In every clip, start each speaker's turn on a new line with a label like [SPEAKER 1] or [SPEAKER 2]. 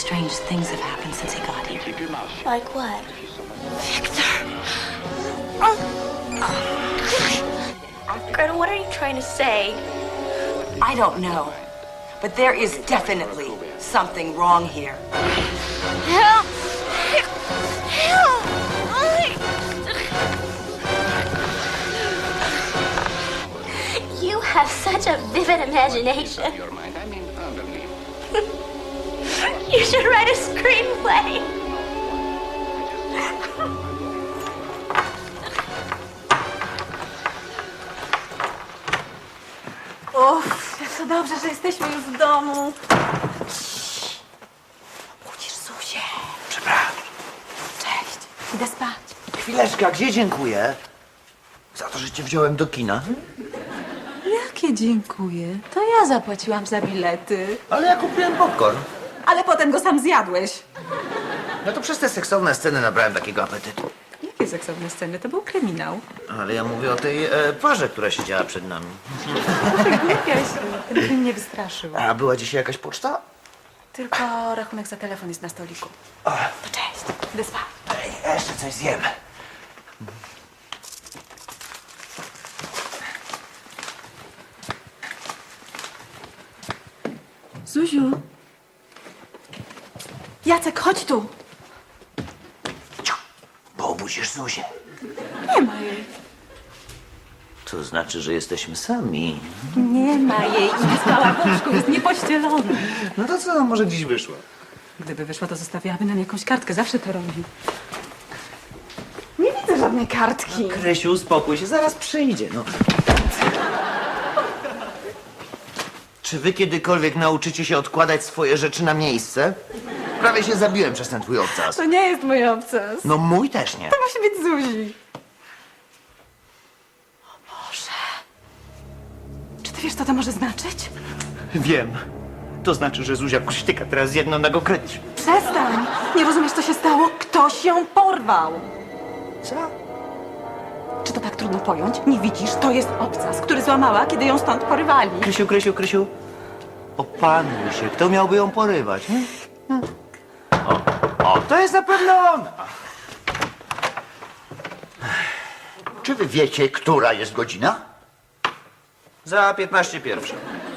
[SPEAKER 1] strange things have happened since he got here.
[SPEAKER 2] Like what?
[SPEAKER 1] Victor!
[SPEAKER 2] Gretel, what are you trying to say?
[SPEAKER 3] I don't know, but there is definitely something wrong here.
[SPEAKER 2] Help! Help! You have such a vivid imagination. You should write a screenplay.
[SPEAKER 4] Uff, jak to dobrze, że jesteśmy już w domu. Budzisz Zuzię.
[SPEAKER 5] Przepraszam.
[SPEAKER 4] Cześć, idę spać.
[SPEAKER 5] Chwileczkę, a gdzie dziękuję? Za to, że cię wziąłem do kina.
[SPEAKER 4] Jakie dziękuję. To ja zapłaciłam za bilety.
[SPEAKER 5] Ale ja kupiłem popcorn.
[SPEAKER 4] Ale potem go sam zjadłeś.
[SPEAKER 5] No to przez te seksowne sceny nabrałem takiego apetytu.
[SPEAKER 4] Jakie seksowne sceny? To był kryminał.
[SPEAKER 5] Ale ja mówię o tej parze, która siedziała przed nami.
[SPEAKER 4] Głupia się. Ten film mnie wystraszył.
[SPEAKER 5] A była dzisiaj jakaś poczta?
[SPEAKER 4] Tylko rachunek za telefon jest na stoliku. To cześć, idę spać.
[SPEAKER 5] Ej, jeszcze coś zjem.
[SPEAKER 4] Zuziu. Jacek, chodź tu.
[SPEAKER 5] Bo obudzisz Zuzię.
[SPEAKER 4] Nie ma jej.
[SPEAKER 5] To znaczy, że jesteśmy sami.
[SPEAKER 4] Nie ma jej. I spała w łóżku, jest niepościelona.
[SPEAKER 5] No to co, może dziś wyszło?
[SPEAKER 4] Gdyby wyszła, to zostawiałaby nam jakąś kartkę. Zawsze to robi. Nie widzę żadnej kartki.
[SPEAKER 5] Krysiu, uspokój się, zaraz przyjdzie, no. Czy wy kiedykolwiek nauczycie się odkładać swoje rzeczy na miejsce? Prawie się zabiłem przez ten twój obcas.
[SPEAKER 4] To nie jest mój obcas.
[SPEAKER 5] No mój też nie.
[SPEAKER 4] To musi być Zuzi. O Boże. Czy ty wiesz, co to może znaczyć?
[SPEAKER 5] Wiem. To znaczy, że Zuzia kuśtyka teraz jedną nogą kręci.
[SPEAKER 4] Przestań. Nie rozumiesz, co się stało? Ktoś ją porwał.
[SPEAKER 5] Co?
[SPEAKER 4] Czy to tak trudno pojąć? Nie widzisz? To jest obcas, który złamała, kiedy ją stąd porywali.
[SPEAKER 5] Krysiu. Opanuj się. Kto miałby ją porywać? Nie? O, to jest na pewno ona.
[SPEAKER 6] Czy wy wiecie, która jest godzina?
[SPEAKER 5] Za 15 pierwsza.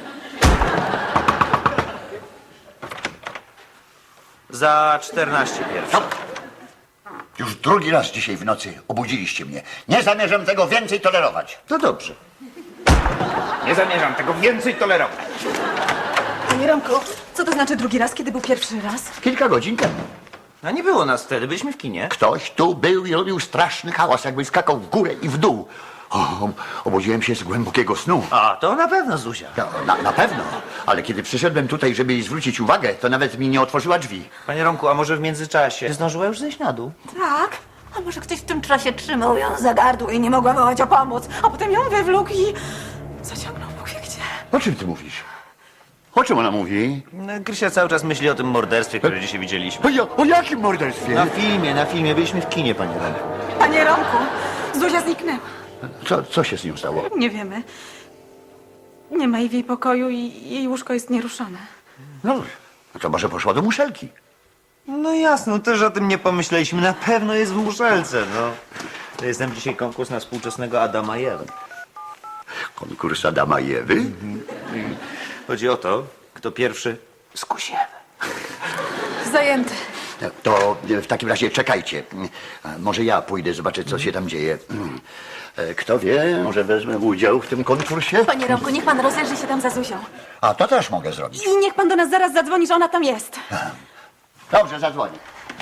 [SPEAKER 5] Za 14 pierwsza.
[SPEAKER 6] Już drugi raz dzisiaj w nocy obudziliście mnie. Nie zamierzam tego więcej tolerować.
[SPEAKER 5] To dobrze. Nie zamierzam tego więcej tolerować.
[SPEAKER 4] Panie Romku, co to znaczy drugi raz, kiedy był pierwszy raz?
[SPEAKER 6] Kilka godzin temu.
[SPEAKER 5] A nie było nas wtedy, byliśmy w kinie.
[SPEAKER 6] Ktoś tu był i robił straszny hałas, jakby skakał w górę i w dół. Obudziłem się z głębokiego snu.
[SPEAKER 5] A, to na pewno Zuzia.
[SPEAKER 6] No, na pewno. Ale kiedy przyszedłem tutaj, żeby jej zwrócić uwagę, to nawet mi nie otworzyła drzwi.
[SPEAKER 5] Panie Romku, a może w międzyczasie zdążyła już zejść na dół?
[SPEAKER 4] Tak. A może ktoś w tym czasie trzymał ją za gardło i nie mogła wołać o pomoc, a potem ją wywlókł i zaciągnął Bóg wie gdzie.
[SPEAKER 6] O czym ty mówisz? O czym ona mówi?
[SPEAKER 5] No, Krysia cały czas myśli o tym morderstwie, które dzisiaj widzieliśmy.
[SPEAKER 6] O jakim morderstwie?
[SPEAKER 5] Na filmie. Byliśmy w kinie, panie Romku.
[SPEAKER 4] Panie Romku, Zuzia zniknęła.
[SPEAKER 6] Co się z nią stało?
[SPEAKER 4] Nie wiemy. Nie ma jej w jej pokoju i jej łóżko jest nieruszone.
[SPEAKER 6] No to może poszła do muszelki.
[SPEAKER 5] No jasno, też o tym nie pomyśleliśmy. Na pewno jest w muszelce, no. To jest tam dzisiaj konkurs na współczesnego Adama i Ewę.
[SPEAKER 6] Konkurs Adama i Ewy?
[SPEAKER 5] Chodzi o to, kto pierwszy skusi Ewę.
[SPEAKER 4] Zajęty.
[SPEAKER 6] To w takim razie czekajcie. Może ja pójdę zobaczyć, co się tam dzieje. Kto wie, może wezmę udział w tym konkursie?
[SPEAKER 4] Panie Romku, niech pan rozejrzy się tam za Zuzią.
[SPEAKER 6] A to też mogę zrobić.
[SPEAKER 4] I niech pan do nas zaraz zadzwoni, że ona tam jest.
[SPEAKER 6] Dobrze, zadzwonię.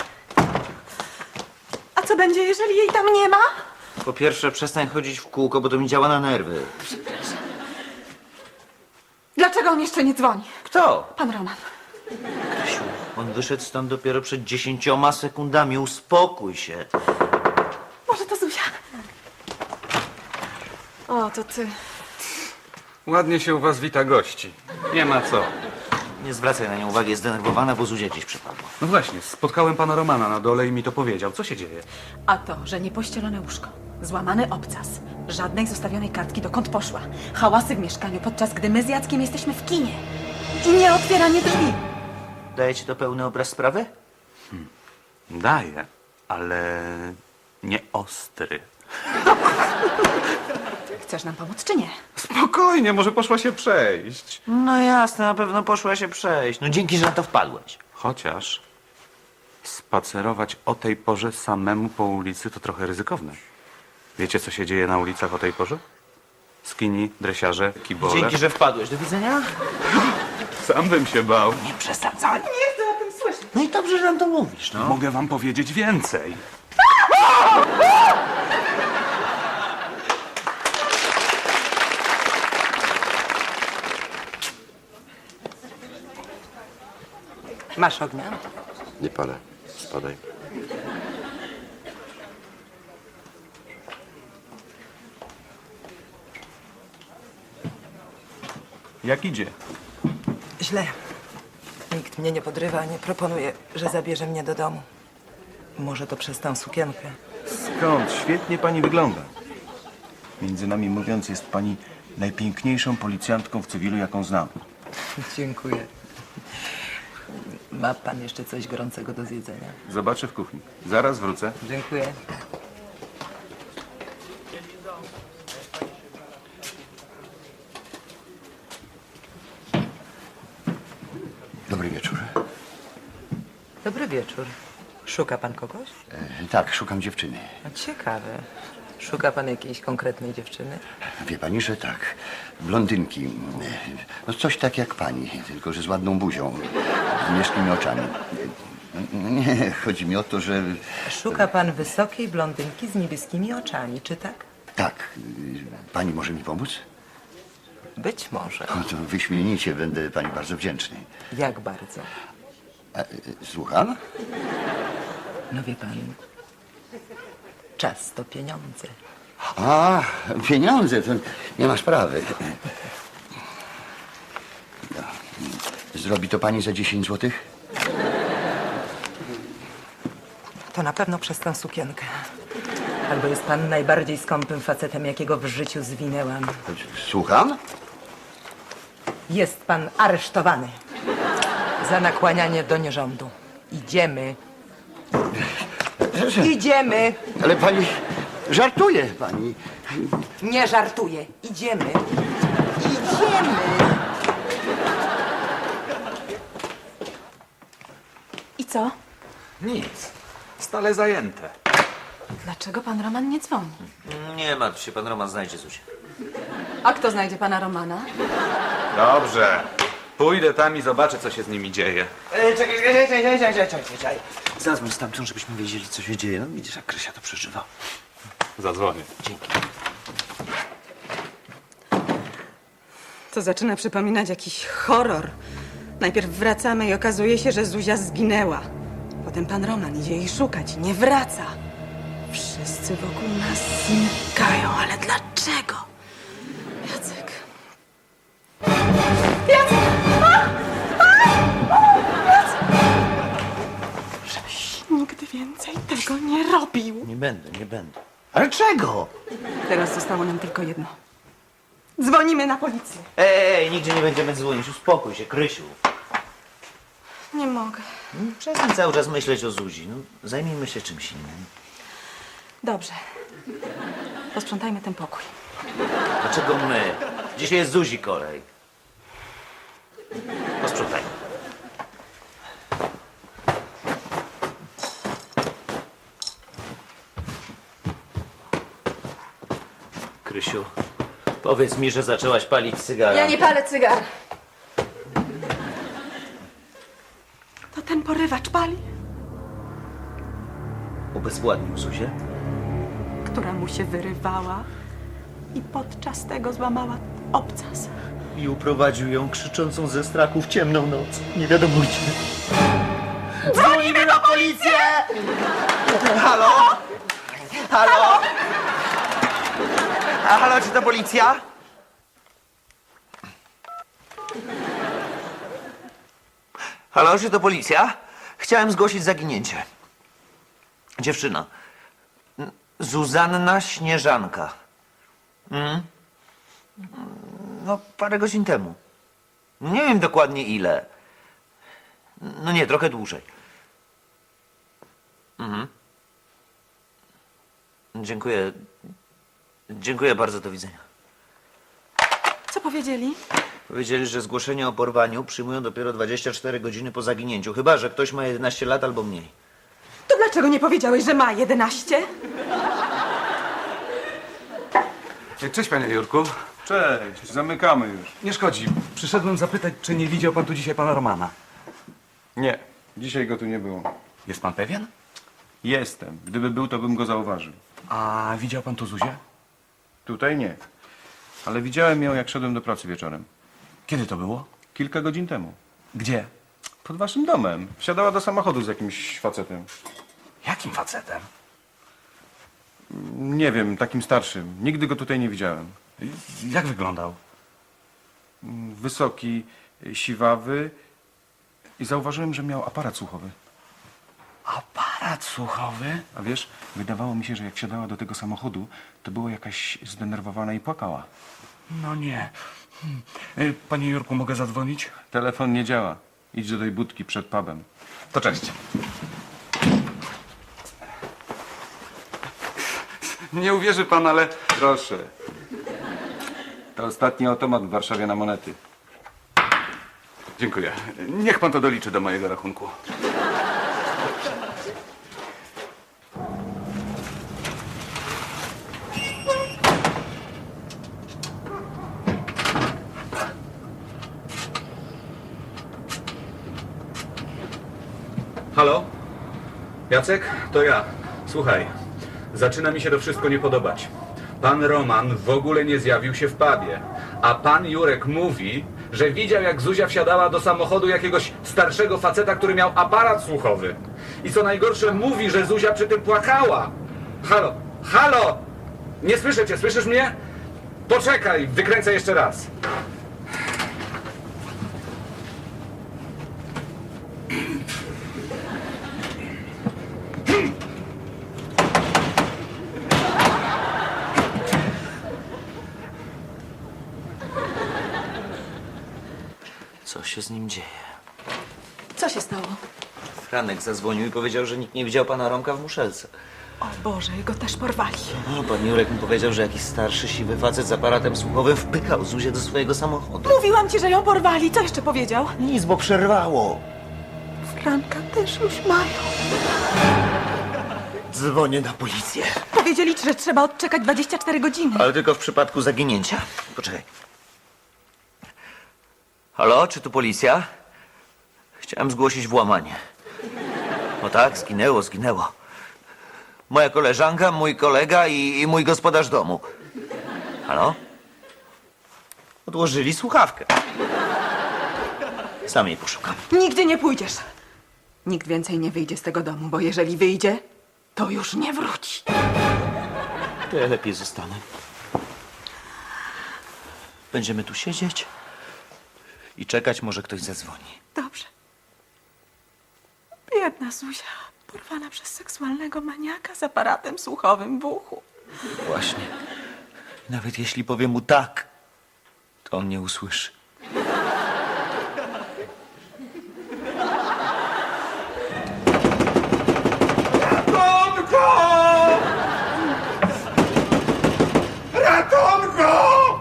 [SPEAKER 4] A co będzie, jeżeli jej tam nie ma?
[SPEAKER 5] Po pierwsze, przestań chodzić w kółko, bo to mi działa na nerwy.
[SPEAKER 4] Dlaczego on jeszcze nie dzwoni?
[SPEAKER 5] Kto?
[SPEAKER 4] Pan Roman.
[SPEAKER 5] Krysiu, on wyszedł stąd dopiero przed 10 sekundami. Uspokój się.
[SPEAKER 4] Może to Zuzia? O, to ty.
[SPEAKER 7] Ładnie się u was wita gości. Nie ma co.
[SPEAKER 5] Nie zwracaj na nią uwagi, jest zdenerwowana, bo Zuzia gdzieś przepadła.
[SPEAKER 7] No właśnie, spotkałem pana Romana na dole i mi to powiedział. Co się dzieje?
[SPEAKER 4] A to, że niepościelone łóżko, złamany obcas, żadnej zostawionej kartki, dokąd poszła, hałasy w mieszkaniu, podczas gdy my z Jackiem jesteśmy w kinie i nie otwieranie drzwi.
[SPEAKER 5] Daje ci to pełny obraz sprawy?
[SPEAKER 8] Daję, ale nie ostry.
[SPEAKER 4] Chcesz nam pomóc, czy nie?
[SPEAKER 7] Spokojnie, może poszła się przejść.
[SPEAKER 5] No jasne, na pewno poszła się przejść. No dzięki, że na to wpadłeś.
[SPEAKER 8] Chociaż spacerować o tej porze samemu po ulicy to trochę ryzykowne. Wiecie, co się dzieje na ulicach o tej porze? Skini, dresiarze, kibole.
[SPEAKER 5] Dzięki, że wpadłeś. Do widzenia.
[SPEAKER 8] Sam bym się bał.
[SPEAKER 5] Nie przesadzaj.
[SPEAKER 4] Nie chcę o tym słyszeć.
[SPEAKER 5] No i dobrze, że nam to mówisz, no.
[SPEAKER 8] Mogę wam powiedzieć więcej.
[SPEAKER 3] Masz ognia?
[SPEAKER 9] Nie palę. Spadaj.
[SPEAKER 8] Jak idzie?
[SPEAKER 10] Źle. Nikt mnie nie podrywa, nie proponuje, że zabierze mnie do domu. Może to przez tę sukienkę.
[SPEAKER 11] Skąd? Świetnie pani wygląda. Między nami mówiąc, jest pani najpiękniejszą policjantką w cywilu, jaką znam.
[SPEAKER 10] Dziękuję. Ma pan jeszcze coś gorącego do zjedzenia?
[SPEAKER 8] Zobaczę w kuchni. Zaraz wrócę.
[SPEAKER 10] Dziękuję.
[SPEAKER 6] Dobry wieczór.
[SPEAKER 10] Dobry wieczór. Szuka pan kogoś?
[SPEAKER 6] Tak, szukam dziewczyny.
[SPEAKER 10] No, ciekawe. Szuka pan jakiejś konkretnej dziewczyny?
[SPEAKER 6] Wie pani, że tak. Blondynki. No coś tak jak pani, tylko że z ładną buzią. Z niebieskimi oczami. Nie, chodzi mi o to, że...
[SPEAKER 10] Szuka pan wysokiej blondynki z niebieskimi oczami, czy tak?
[SPEAKER 6] Tak. Pani może mi pomóc?
[SPEAKER 10] Być może.
[SPEAKER 6] No to wyśmienicie, będę pani bardzo wdzięczny.
[SPEAKER 10] Jak bardzo?
[SPEAKER 6] Słucham?
[SPEAKER 10] No wie pan, czas to pieniądze.
[SPEAKER 6] A, pieniądze, to nie ma sprawy. Zrobi to pani za 10 złotych?
[SPEAKER 10] To na pewno przez tę sukienkę. Albo jest pan najbardziej skąpym facetem, jakiego w życiu zwinęłam.
[SPEAKER 6] Słucham?
[SPEAKER 10] Jest pan aresztowany za nakłanianie do nierządu. Idziemy. Idziemy.
[SPEAKER 6] Ale pani żartuje, pani.
[SPEAKER 10] Nie żartuję. Idziemy. Idziemy.
[SPEAKER 4] I co?
[SPEAKER 8] Nic. Stale zajęte.
[SPEAKER 4] Dlaczego pan Roman nie dzwoni?
[SPEAKER 5] Nie martw się, pan Roman znajdzie coś.
[SPEAKER 4] A kto znajdzie pana Romana?
[SPEAKER 8] Dobrze. Pójdę tam i zobaczę, co się z nimi dzieje.
[SPEAKER 5] Czekaj. Zadzwoń stamtąd, żebyśmy wiedzieli, co się dzieje. No widzisz, jak Krysia to przeżywa.
[SPEAKER 8] Zadzwonię.
[SPEAKER 5] Dzięki.
[SPEAKER 4] To zaczyna przypominać jakiś horror. Najpierw wracamy i okazuje się, że Zuzia zginęła. Potem pan Roman idzie jej szukać i nie wraca. Wszyscy wokół nas znikają, ale dlaczego? Jacek. Żebyś nigdy więcej tego nie robił.
[SPEAKER 5] Nie będę, nie będę. Ale czego?
[SPEAKER 4] Teraz zostało nam tylko jedno. Dzwonimy na policję.
[SPEAKER 5] Ej, nigdzie nie będziemy dzwonić. Uspokój się, Krysiu.
[SPEAKER 4] Nie mogę.
[SPEAKER 5] Przestań cały czas myśleć o Zuzi. No, zajmijmy się czymś innym.
[SPEAKER 4] Dobrze. Posprzątajmy ten pokój.
[SPEAKER 5] Dlaczego my? Dzisiaj jest Zuzi kolej. Posprzątajmy. Krysiu, powiedz mi, że zaczęłaś palić cygara.
[SPEAKER 4] Ja nie palę cygar. To ten porywacz pali,
[SPEAKER 5] Ubezwładnił Zuzię?
[SPEAKER 4] która mu się wyrywała i podczas tego złamała obcas.
[SPEAKER 5] I uprowadził ją krzyczącą ze strachu w ciemną noc. Nie wiadomo gdzie. Dzwonimy na policję! Halo? Halo? A halo, czy to policja? Halo, czy to policja? Chciałem zgłosić zaginięcie. Dziewczyna. Zuzanna Śnieżanka. No, parę godzin temu. Nie wiem dokładnie ile. No nie, trochę dłużej. Dziękuję. Dziękuję bardzo, do widzenia.
[SPEAKER 4] Co powiedzieli?
[SPEAKER 5] Powiedzieli, że zgłoszenie o porwaniu przyjmują dopiero 24 godziny po zaginięciu. Chyba że ktoś ma 11 lat albo mniej.
[SPEAKER 4] To dlaczego nie powiedziałeś, że ma 11?
[SPEAKER 8] Cześć, panie Jurku.
[SPEAKER 11] Cześć, zamykamy już.
[SPEAKER 8] Nie szkodzi. Przyszedłem zapytać, czy nie widział pan tu dzisiaj pana Romana.
[SPEAKER 11] Nie, dzisiaj go tu nie było.
[SPEAKER 8] Jest pan pewien?
[SPEAKER 11] Jestem. Gdyby był, to bym go zauważył.
[SPEAKER 8] A widział pan tu Zuzię?
[SPEAKER 11] Tutaj nie. Ale widziałem ją, jak szedłem do pracy wieczorem.
[SPEAKER 8] Kiedy to było?
[SPEAKER 11] Kilka godzin temu.
[SPEAKER 8] Gdzie?
[SPEAKER 11] Pod waszym domem. Wsiadała do samochodu z jakimś facetem.
[SPEAKER 8] Jakim facetem?
[SPEAKER 11] Nie wiem, takim starszym. Nigdy go tutaj nie widziałem.
[SPEAKER 8] Jak wyglądał?
[SPEAKER 11] Wysoki, siwawy i zauważyłem, że miał aparat słuchowy.
[SPEAKER 8] Aparat słuchowy?
[SPEAKER 11] A wiesz, wydawało mi się, że jak wsiadała do tego samochodu, to była jakaś zdenerwowana i płakała.
[SPEAKER 8] No nie. Panie Jurku, mogę zadzwonić?
[SPEAKER 11] Telefon nie działa. Idź do tej budki przed pubem.
[SPEAKER 8] To cześć. Nie uwierzy pan, ale...
[SPEAKER 11] Proszę. To ostatni automat w Warszawie na monety.
[SPEAKER 8] Dziękuję. Niech pan to doliczy do mojego rachunku. Halo? Jacek? To ja. Słuchaj, zaczyna mi się to wszystko nie podobać. Pan Roman w ogóle nie zjawił się w pubie, a pan Jurek mówi, że widział, jak Zuzia wsiadała do samochodu jakiegoś starszego faceta, który miał aparat słuchowy. I co najgorsze, mówi, że Zuzia przy tym płakała. Halo? Halo? Nie słyszę cię, słyszysz mnie? Poczekaj, wykręcę jeszcze raz.
[SPEAKER 5] Co się z nim dzieje?
[SPEAKER 4] Co się stało?
[SPEAKER 5] Franek zadzwonił i powiedział, że nikt nie widział pana Romka w muszelce.
[SPEAKER 4] O Boże, go też porwali.
[SPEAKER 5] No, pan Jurek mi powiedział, że jakiś starszy, siwy facet z aparatem słuchowym wpykał Zuzię do swojego samochodu.
[SPEAKER 4] Mówiłam ci, że ją porwali. Co jeszcze powiedział?
[SPEAKER 5] Nic, bo przerwało.
[SPEAKER 4] Franka też już mają.
[SPEAKER 5] Dzwonię na policję.
[SPEAKER 4] Powiedzieli ci, że trzeba odczekać 24 godziny.
[SPEAKER 5] Ale tylko w przypadku zaginięcia. Poczekaj. Halo, czy tu policja? Chciałem zgłosić włamanie. No tak, zginęło. Moja koleżanka, mój kolega i mój gospodarz domu. Halo? Odłożyli słuchawkę. Sam jej poszukam.
[SPEAKER 4] Nigdzie nie pójdziesz. Nikt więcej nie wyjdzie z tego domu, bo jeżeli wyjdzie, to już nie wróci.
[SPEAKER 5] To ja lepiej zostanę. Będziemy tu siedzieć i czekać, może ktoś zadzwoni.
[SPEAKER 4] Dobrze. Biedna Zuzia, porwana przez seksualnego maniaka z aparatem słuchowym w uchu.
[SPEAKER 5] Właśnie. Nawet jeśli powiem mu tak, to on nie usłyszy.
[SPEAKER 7] Ratunku! Ratunku!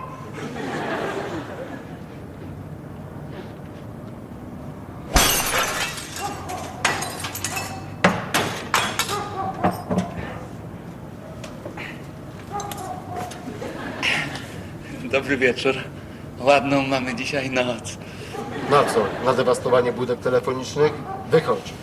[SPEAKER 12] Dobry wieczór. Ładną mamy dzisiaj noc.
[SPEAKER 13] Na co? Na dewastowanie budek telefonicznych? Wychodź.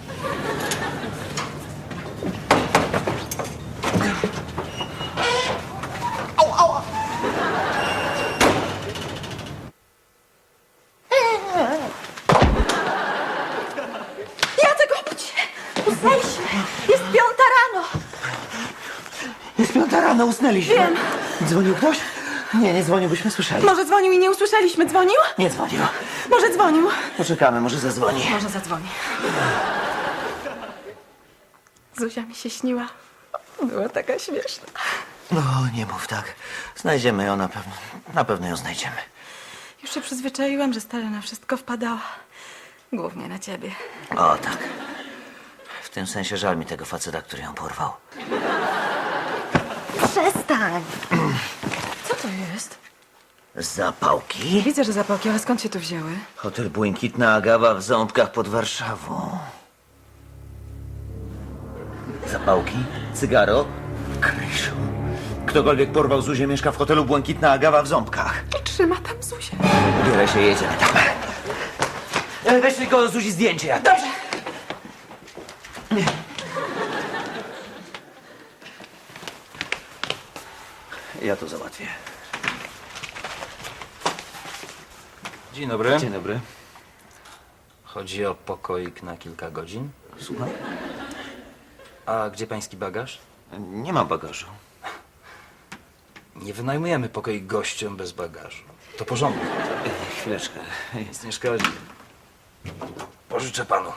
[SPEAKER 4] Jacek, obudź się! Usnęliśmy! Jest 5 rano!
[SPEAKER 5] Jest 5 rano, usnęliśmy.
[SPEAKER 4] Wiem.
[SPEAKER 5] Dzwonił ktoś? Nie dzwonił, byśmy słyszeli.
[SPEAKER 4] Może dzwonił i nie usłyszeliśmy. Dzwonił?
[SPEAKER 5] Nie dzwonił.
[SPEAKER 4] Może dzwonił.
[SPEAKER 5] Poczekamy, może zadzwoni.
[SPEAKER 4] Może zadzwoni. Zuzia mi się śniła. Była taka śmieszna.
[SPEAKER 5] No, nie mów tak. Znajdziemy ją na pewno. Na pewno ją znajdziemy.
[SPEAKER 4] Już się przyzwyczaiłam, że stale na wszystko wpadała. Głównie na ciebie.
[SPEAKER 5] O, tak. W tym sensie żal mi tego faceta, który ją porwał.
[SPEAKER 4] Przestań! Co to jest?
[SPEAKER 5] Zapałki?
[SPEAKER 4] Widzę, że zapałki, ale skąd się tu wzięły?
[SPEAKER 5] Hotel Błękitna Agawa w Ząbkach pod Warszawą. Zapałki? Cygaro? Krysiu. Ktokolwiek porwał Zuzię, mieszka w hotelu Błękitna Agawa w Ząbkach.
[SPEAKER 4] I trzyma tam Zuzię.
[SPEAKER 5] Bierę się, jedziemy tam. Weź tylko Zuzi zdjęcie. Jak... Dobrze. Ja to załatwię.
[SPEAKER 14] Dzień dobry.
[SPEAKER 5] Dzień dobry.
[SPEAKER 14] Chodzi o pokoik na kilka godzin.
[SPEAKER 5] Słucham?
[SPEAKER 14] A gdzie pański bagaż?
[SPEAKER 5] Nie mam bagażu.
[SPEAKER 14] Nie wynajmujemy pokoik gościom bez bagażu. To porządek.
[SPEAKER 5] Chwileczkę.
[SPEAKER 14] Nic nie szkodzi. Pożyczę panu.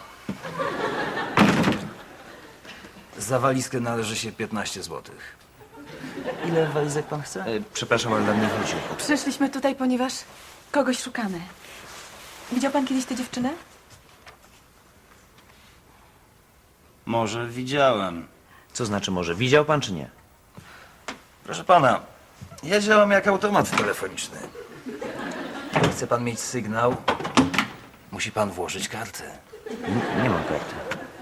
[SPEAKER 14] Za walizkę należy się 15 zł.
[SPEAKER 5] Ile walizek pan chce?
[SPEAKER 14] Przepraszam, ale na mnie chodzi.
[SPEAKER 4] Przyszliśmy tutaj, ponieważ kogoś szukamy. Widział pan kiedyś tę dziewczynę?
[SPEAKER 14] Może widziałem.
[SPEAKER 5] Co znaczy może? Widział pan czy nie?
[SPEAKER 14] Proszę pana, ja działam jak automat telefoniczny. Chce pan mieć sygnał, musi pan włożyć kartę.
[SPEAKER 5] Nie mam karty.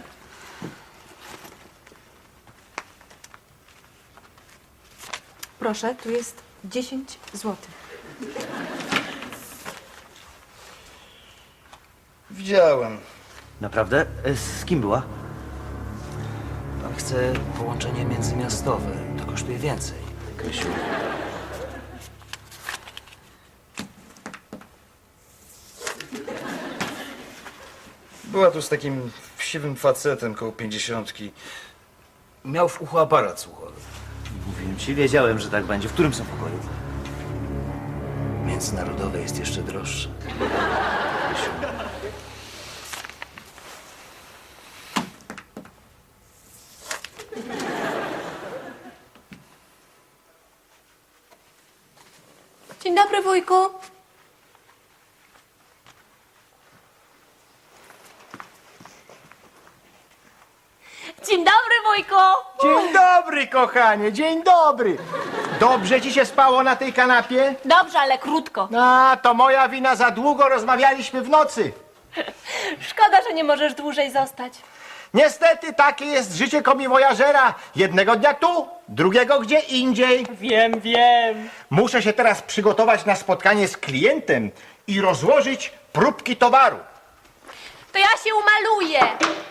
[SPEAKER 4] Proszę, tu jest 10 zł.
[SPEAKER 14] Widziałem.
[SPEAKER 5] Naprawdę? Z kim była?
[SPEAKER 14] Pan chce połączenie międzymiastowe. To kosztuje więcej.
[SPEAKER 5] Krysiu.
[SPEAKER 14] Była tu z takim siwym facetem koło 50. Miał w uchu aparat słuchowy.
[SPEAKER 5] Mówiłem ci, wiedziałem, że tak będzie. W którym są pokoju?
[SPEAKER 14] Międzynarodowe jest jeszcze droższe.
[SPEAKER 2] Dzień dobry, wujku. Dzień dobry, wujku.
[SPEAKER 11] Dzień dobry, kochanie, dzień dobry. Dobrze ci się spało na tej kanapie?
[SPEAKER 2] Dobrze, ale krótko.
[SPEAKER 11] A, to moja wina, za długo rozmawialiśmy w nocy.
[SPEAKER 2] Szkoda, że nie możesz dłużej zostać.
[SPEAKER 11] Niestety, takie jest życie komiwojażera. Jednego dnia tu, drugiego gdzie indziej.
[SPEAKER 15] Wiem.
[SPEAKER 11] Muszę się teraz przygotować na spotkanie z klientem i rozłożyć próbki towaru.
[SPEAKER 2] To ja się umaluję.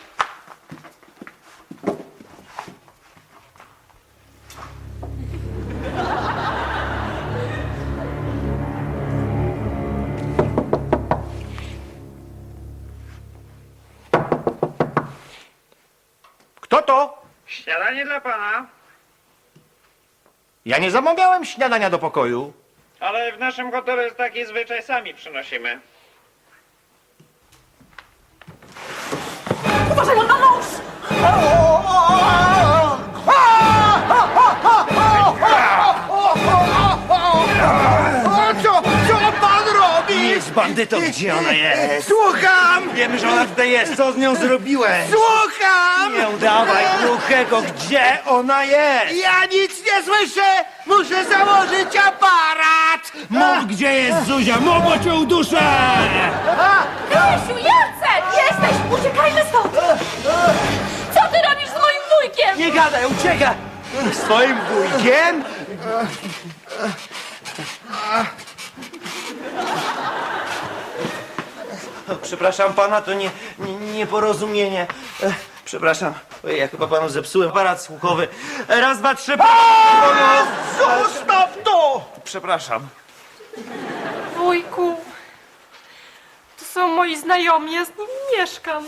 [SPEAKER 11] Kto to?
[SPEAKER 15] Śniadanie dla pana,
[SPEAKER 11] Ja nie zamawiałem śniadania do pokoju.
[SPEAKER 15] ale w naszym hotelu jest taki zwyczaj, sami przynosimy.
[SPEAKER 2] Uważaj, on ma nóż!
[SPEAKER 11] Co pan robi?
[SPEAKER 5] Jest bandytą, gdzie ona jest?
[SPEAKER 11] Słucham!
[SPEAKER 5] Wiemy, że ona tutaj jest. Co z nią zrobiłeś?
[SPEAKER 11] Słucham!
[SPEAKER 5] Nie udawaj głuchego, gdzie ona jest?
[SPEAKER 11] Ja nic nie słyszę! Muszę założyć aparat!
[SPEAKER 5] Mów, gdzie jest Zuzia, mów, cię uduszę!
[SPEAKER 2] Krysiu, Jacek! Jesteś! Uciekajmy stąd! Co ty robisz z moim wujkiem?
[SPEAKER 5] Nie gadaj, uciekaj!
[SPEAKER 11] Swoim wujkiem?
[SPEAKER 5] Przepraszam pana, to nieporozumienie. Przepraszam. Ojej, ja chyba panu zepsułem aparat słuchowy. Raz, dwa, trzy.
[SPEAKER 11] Zostaw to!
[SPEAKER 5] Przepraszam.
[SPEAKER 15] Wujku, to są moi znajomi, ja z nimi mieszkam.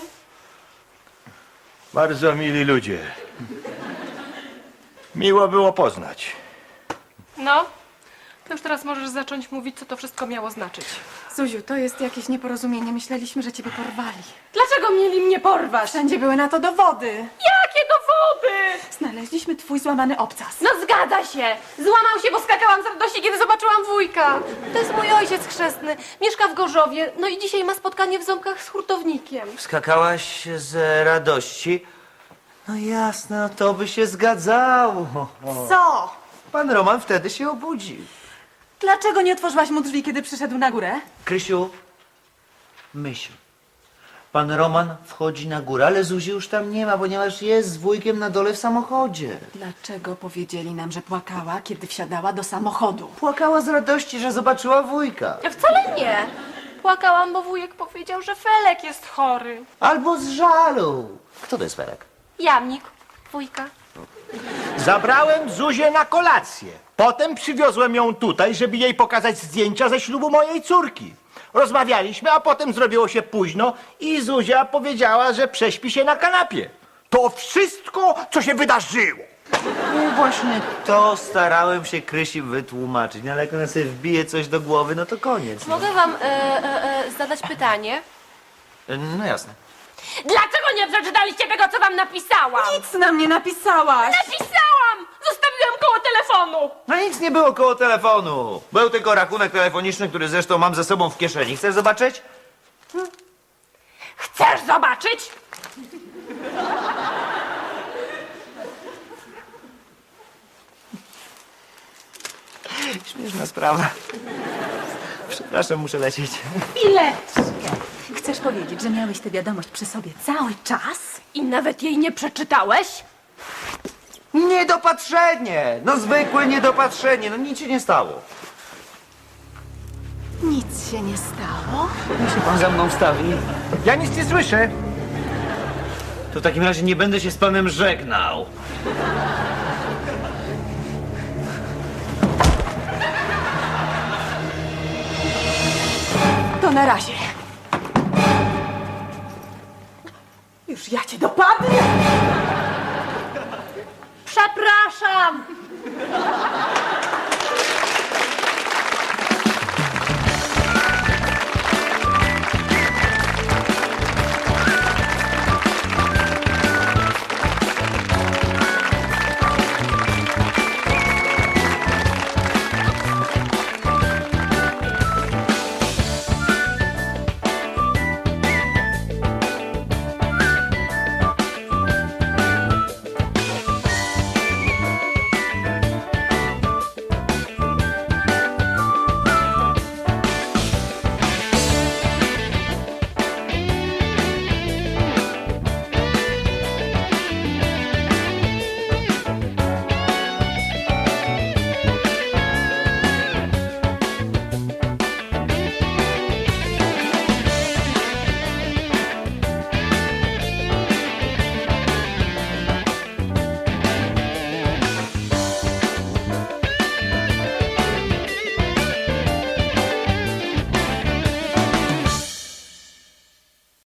[SPEAKER 11] Bardzo mili ludzie. Miło było poznać.
[SPEAKER 15] No, To już teraz możesz zacząć mówić, co to wszystko miało znaczyć.
[SPEAKER 16] Zuziu, to jest jakieś nieporozumienie. Myśleliśmy, że ciebie porwali.
[SPEAKER 15] Dlaczego mieli mnie porwać?
[SPEAKER 16] Wszędzie były na to dowody.
[SPEAKER 15] Jakie dowody?
[SPEAKER 16] Znaleźliśmy twój złamany obcas.
[SPEAKER 15] No zgadza się! Złamał się, bo skakałam z radości, kiedy zobaczyłam wujka. To jest mój ojciec chrzestny. Mieszka w Gorzowie. No i dzisiaj ma spotkanie w Ząbkach z hurtownikiem.
[SPEAKER 5] Skakałaś z radości? No jasne, no to by się zgadzało.
[SPEAKER 16] Co?
[SPEAKER 5] Pan Roman wtedy się obudził.
[SPEAKER 16] Dlaczego nie otworzyłaś mu drzwi, kiedy przyszedł na górę?
[SPEAKER 5] Krysiu, myśl. Pan Roman wchodzi na górę, ale Zuzi już tam nie ma, ponieważ jest z wujkiem na dole w samochodzie.
[SPEAKER 16] Dlaczego powiedzieli nam, że płakała, kiedy wsiadała do samochodu?
[SPEAKER 5] Płakała z radości, że zobaczyła wujka.
[SPEAKER 15] Wcale nie. Płakałam, bo wujek powiedział, że Felek jest chory.
[SPEAKER 5] Albo z żalu. Kto to jest Felek?
[SPEAKER 15] Jamnik, wujka.
[SPEAKER 11] Zabrałem Zuzię na kolację. Potem przywiozłem ją tutaj, żeby jej pokazać zdjęcia ze ślubu mojej córki. Rozmawialiśmy, a potem zrobiło się późno i Zuzia powiedziała, że prześpi się na kanapie. To wszystko, co się wydarzyło.
[SPEAKER 5] No właśnie to starałem się Krysi wytłumaczyć, no ale jak ona sobie wbije coś do głowy, no to koniec. No,
[SPEAKER 15] Mogę wam zadać pytanie?
[SPEAKER 5] no jasne.
[SPEAKER 15] Dlaczego nie przeczytaliście tego, co wam napisałam?
[SPEAKER 16] Nic nam nie napisałaś.
[SPEAKER 15] Napisałam! Zostawiłam koło telefonu!
[SPEAKER 5] No nic nie było koło telefonu. Był tylko rachunek telefoniczny, który zresztą mam ze sobą w kieszeni. Chcesz zobaczyć?
[SPEAKER 15] Chcesz zobaczyć?
[SPEAKER 5] Śmieszna sprawa. Przepraszam, muszę lecieć.
[SPEAKER 16] Chwileczkę. Chcesz powiedzieć, że miałeś tę wiadomość przy sobie cały czas?
[SPEAKER 15] I nawet jej nie przeczytałeś?
[SPEAKER 5] Niedopatrzenie! No zwykłe niedopatrzenie, no nic się nie stało.
[SPEAKER 16] Nic się nie stało.
[SPEAKER 5] Niech się pan za mną wstawi.
[SPEAKER 11] Ja nic nie słyszę.
[SPEAKER 5] To w takim razie nie będę się z panem żegnał.
[SPEAKER 16] To na razie. Już ja cię dopadnę.